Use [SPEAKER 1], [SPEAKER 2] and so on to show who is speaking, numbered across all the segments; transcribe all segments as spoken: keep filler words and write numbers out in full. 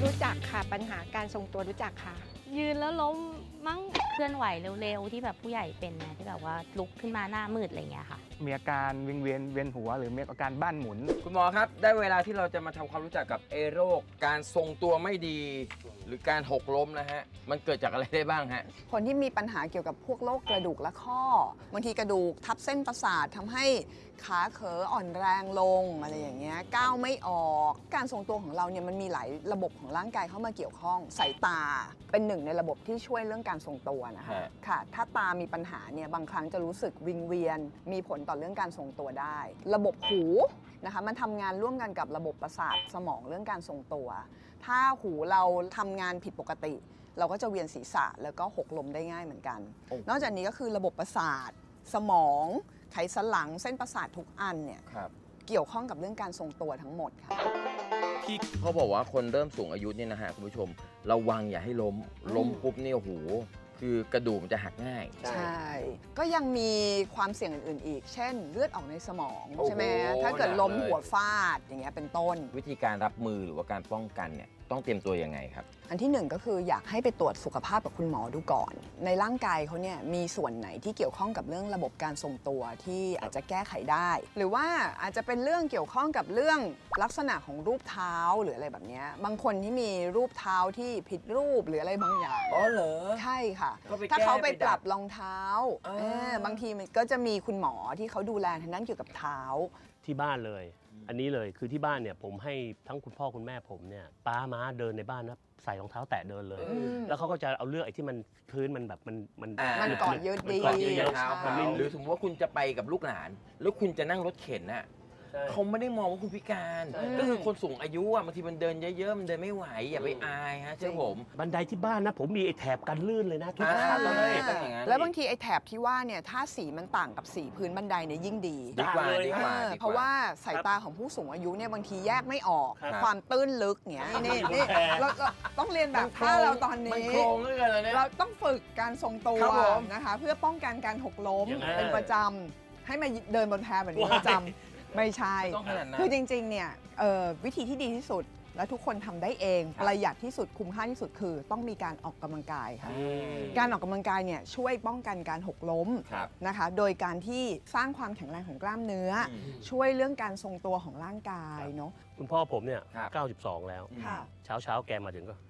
[SPEAKER 1] รู้จักค่ะปัญหาการทรงตัวรู้จักค่ะ
[SPEAKER 2] ยืนแล้วล้มมั้งเคลื่อนไหวเร็วๆที่แบบผู้ใหญ่เป็นนะที่แบบว่าลุกขึ้นมาหน้ามืดอะไรเงี้ยค่ะ
[SPEAKER 3] มีอาการวิงเวียนเวียนหัวหรือมีอาการบ้านหมุน
[SPEAKER 4] คุณหมอครับได้เวลาที่เราจะมาทำความรู้จักกับเอโรคการทรงตัวไม่ดี หรือการหกล้มนะฮะมันเกิดจากอะไรได้บ้างฮะ
[SPEAKER 5] คนที่มีปัญหาเกี่ยวกับพวกโรคกระดูกและข้อบางทีกระดูกทับเส้นประสาททำให้ขาเขออ่อนแรงลงอะไรอย่างเงี้ยก้าวไม่ออกการทรงตัวของเราเนี่ยมันมีหลายระบบของร่างกายเข้ามาเกี่ยวข้องสายตาเป็นหนึ่งในระบบที่ช่วยเรื่องการทรงตัวนะคะค่ะถ้าตามีปัญหาเนี่ยบางครั้งจะรู้สึกวิงเวียนมีผลต่อเรื่องการทรงตัวได้ระบบหูนะคะมันทำงานร่วมกันกับระบบประสาทสมองเรื่องการทรงตัวถ้าหูเราทำงานผิดปกติเราก็จะเวียนศีรษะแล้วก็หกล้มได้ง่ายเหมือนกันนอกจากนี้ก็คือระบบประสาทสมองไขสันหลังเส้นประสาททุกอันเนี่ยเกี่ยวข้องกับเรื่องการทรงตัวทั้งหมดค่ะ
[SPEAKER 4] ที่เขาบอกว่าคนเริ่มสูงอายุเนี่ยนะฮะคุณผู้ชมระวังอย่าให้ล้มล้มปุ๊บเนี่ยโอ้โหคือกระดูกมันจะหักง่าย
[SPEAKER 5] ใช่ก็ยังมีความเสี่ยงอื่นๆอีกเช่นเลือดออกในสมองใช่ไหมถ้าเกิดล้มหัวฟาดอย่างเงี้ยเป็นต้น
[SPEAKER 4] วิธีการรับมือหรือว่าการป้องกันเนี่ยต้องเตรียมตัวยังไงครับ
[SPEAKER 5] อันที่หนึ่งก็คืออยากให้ไปตรวจสุขภาพกับคุณหมอดูก่อนในร่างกายเขาเนี่ยมีส่วนไหนที่เกี่ยวข้องกับเรื่องระบบการทรงตัวที่อาจจะแก้ไขได้หรือว่าอาจจะเป็นเรื่องเกี่ยวข้องกับเรื่องลักษณะของรูปเท้าหรืออะไรแบบนี้บางคนที่มีรูปเท้าที่ผิดรูปหรืออะไรบางอย่าง
[SPEAKER 4] อ๋อเหรอ
[SPEAKER 5] ใช่ค่ะถ้าเขาไปปรับรองเท้าบางทีมันก็จะมีคุณหมอที่เขาดูแลทางด้านเกี่ยวกับเท้า
[SPEAKER 6] ที่บ้านเลยอันนี้เลยคือที่บ้านเนี่ยผมให้ทั้งคุณพ่อคุณแม่ผมเนี่ยป้าม้าเดินในบ้านนะใส่รองเท้าแตะเดินเลยแล้วเขาก็จะเอาเลือกไอ้ที่มันพื้นมันแบบมัน
[SPEAKER 5] มันมันก่อนยืดดี
[SPEAKER 4] หรือสมมติว่าคุณจะไปกับลูกหลานแล้วคุณจะนั่งรถเข็นน่ะเขาไม่ได้มองว่าคุณพิการก็คือคนสูงอายุอ่ะบางทีมันเดินเยอะๆมันเดินไม่ไหวอย่าไปอายฮะเชื่อผม
[SPEAKER 6] บันไดที่บ้านนะผมมีไอ้แถบกันลื่นเลยนะทุก
[SPEAKER 5] ขั้นเลยแล้วบางทีไอ้แถบที่ว่าเนี่ยถ้าสีมันต่างกับสีพื้นบันไดเนี่ยยิ่งดี
[SPEAKER 4] ดีกว่าดีกว่า
[SPEAKER 5] เพราะว่าสายตาของผู้สูงอายุเนี่ยบางทีแยกไม่ออกความตื้นลึกเงี้ยนี่นี่เราต้องเรียนแบบถ้าเราตอนนี้เราต้องฝึกการทรงตัวนะคะเพื่อป้องกันการหกล้มเป็นประจำให้มาเดินบนแพแบบนี้ประจำไม่ใช่คือจริงๆเนี่ยวิธีที่ดีที่สุดและทุกคนทำได้เองประหยัดที่สุดคุ้มค่าที่สุดคือต้องมีการออกกำลังกายค่ะการออกกำลังกายเนี่ยช่วยป้องกันการหกล้มนะคะโดยการที่สร้างความแข็งแรงของกล้ามเนื้อช่วยเรื่องการทรงตัวของร่างกายเนาะ
[SPEAKER 6] คุณพ่อผมเนี่ยเก้าสิบสองแล้วเช้าเช้าแกมาถึงก็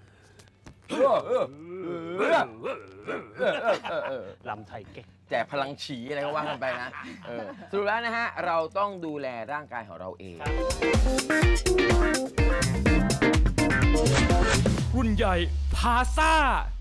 [SPEAKER 6] ลำไทยเก๊ก
[SPEAKER 4] แจกพลังฉีอะไรก็ว่ากันไปนะสรุปแล้วนะฮะเราต้องดูแลร่างกายของเราเอง
[SPEAKER 7] รุ่นใหญ่พาซ่า